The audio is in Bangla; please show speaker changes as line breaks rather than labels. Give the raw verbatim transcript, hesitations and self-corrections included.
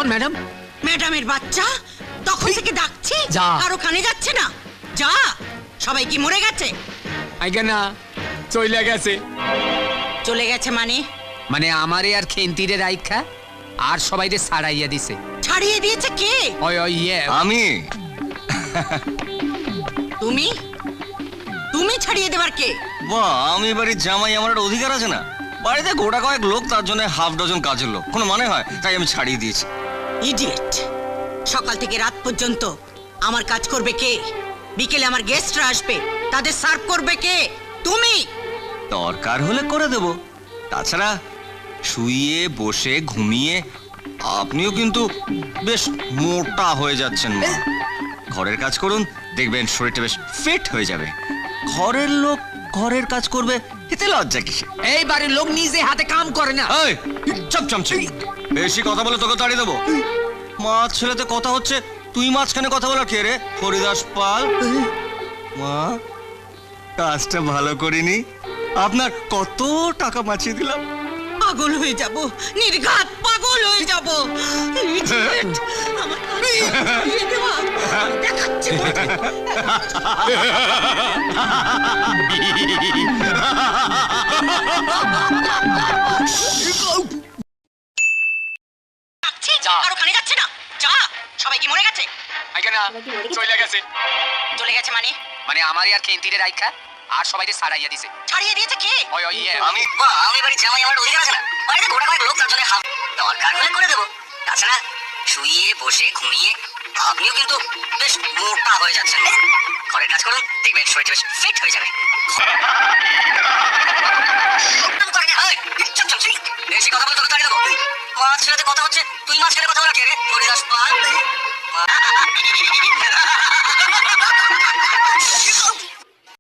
কেমন ম্যাডাম?
ম্যাডামের বাচ্চা তখন থেকে ডাকছি,
যা।
আর ওখানে যাচ্ছে না। যা, সবাই কি মরে গেছে?
আইগা না, চইলা গেছে।
চলে গেছে মানে?
মানে আমারে আর খেন্তিরে রাইখা আর সবাইরে ছাড়াইয়া দিছে।
ছাড়িয়ে দিয়েছে কে?
ওই ওই ইয়ে
আমি
তুমি? তুমি ছাড়িয়ে দেবার কে?
বাহ, আমি বাড়ির জামাই, আমার একটা অধিকার আছে না? বাড়িতে গোটা কয়েক লোক, তার জন্য হাফ ডজন কাজের লোক, কোনো মানে হয়? তাই আমি ছাড়িয়ে দিয়েছি।
ইডিয়েট! সকাল থেকে রাত পর্যন্ত আমার কাজ করবে কে? বিকেলে আমার গেস্টরা আসবে, তাদের সার্ভ করবে কে? তুমি।
দরকার হলে করে দেব। তাছাড়া শুয়ে বসে ঘুমিয়ে আপনিও কিন্তু বেশ মোটা হয়ে যাচ্ছেন মা। ঘরের কাজ করুন, দেখবেন শরীরটা বেশ ফিট হয়ে যাবে। ঘরের লোক ঘরের কাজ করবে, এতে লজ্জা কিসে?
এই বাড়ির লোক নিজে হাতে কাম করে না।
এই চপ চমচে, বেশি কথা বলে তোকে তাড়িয়ে দেবো। মা ছেলেতে কথা হচ্ছে, তুই মাঝখানে কথা বলা কে রে? হরিদাস পাল। মা, কাজটা ভালো করিনি, আপনার কত টাকা বাঁচিয়ে দিলাম।
পাগল হয়ে যাব, নির্ঘাত পাগল হয়ে যাব। Idiot! আমার কাজ ছাড়িয়ে দেওয়া। দেখাচ্ছি তোকে। ডাকছি, আর ওখানে যাচ্ছে না। যা, সবাই কি মরে গেছে?
আইগা না, চইলা গেছে।
চলে গেছে মানে?
মানে আমারে আর খেন্তিরে রাইখা আর সবাইরে ছাড়াইয়া দিছে।
ছাড়িয়ে দিয়েছে কে?
ওই ওই ইয়ে
আমি বাহ, আমি বাড়ির জামাই, আমার অধিকার আছে না? বাড়িতে গোটা কয়েক লোক, তার জন্য হাফ দরকার হলে করে দেবো। তাছাড়া শুয়ে বসে ঘুমিয়ে আপনিও কিন্তু বেশ মোটা হয়ে যাচ্ছেন মা। ঘরের কাজ করুন, দেখবেন শরীরটা বেশ ফিট হয়ে যাবে। চপ চমচে, বেশি কথা বলে তোকে তাড়িয়ে দেবো। মা ছেলেতে কথা হচ্ছে, তুই মাঝখানে কথা বলা কে রে? হরিদাস পাল।